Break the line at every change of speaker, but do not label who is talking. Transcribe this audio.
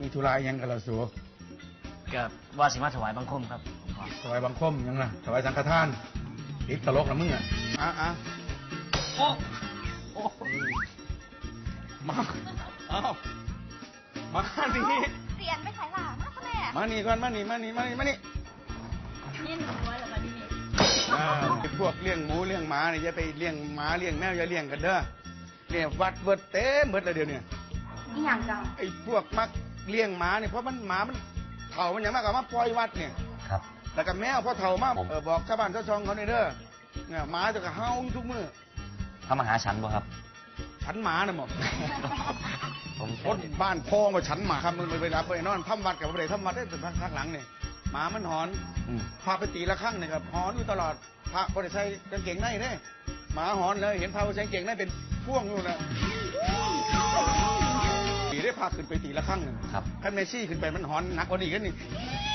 มีธุระยังกับเราสู
ก็ว่าสิมาถวายบังคมครับผมขอ
ถวายบังคมยังล่ะถวายสังฆทานติดตลกนะมึงอ่ะ
โอ้โอ้
มาเอามานี่
เสียนไปใส่หล่ะมาแม่
มานี่ก่อนมานี่
ยินหัวเหรอคะนี่
พวกเลี้ยงหมูเลี้ยงหมาเนี่ยอย่าไปเลี้ยงหมาเลี้ยงแมวอย่าเลี้ยงกันเด้อเนี่ยวัดเบิดเต็มเบิดเลยเดี๋ยวนี้
นี่อย่างจัง
ไอ้พวกมักเลี้ยงหมาเนี่ยเพราะหมามันเถ่ามันอย่างมากกับมาปล่อยวัดเนี่ย
ครับ
แล้วก็แมวพอเถ่ามาบอกชาวบ้านชาวช่องเขาเนี่ยเด้อเนี่ยหมาจะก็เห่าอยู่ทุกมื้อ
เขามาหาฉันบ่ครับ
ฉันหมาน่ะหมด
ผม
คนบ้านพ้องมาฉันหมาครับมึงเวลาไปนอนทำวัดกับไปทำวัดได้แต่พักหลังเนี่ยหมามันหอนพาไปตีละครั้งเนี่ยครับหอนอยู่ตลอดพระบริใส่กางเกงในเนี่ยหมาหอนเลยเห็นพระใส่กางเกงในเป็นพ่วงอยู่นะตีได้พาขึ้นไปตีละครั้งหนึ่ง
ครับ
ขั้นเมซี่ขึ้นไปมันหอนหนักกว่านี้กันนี่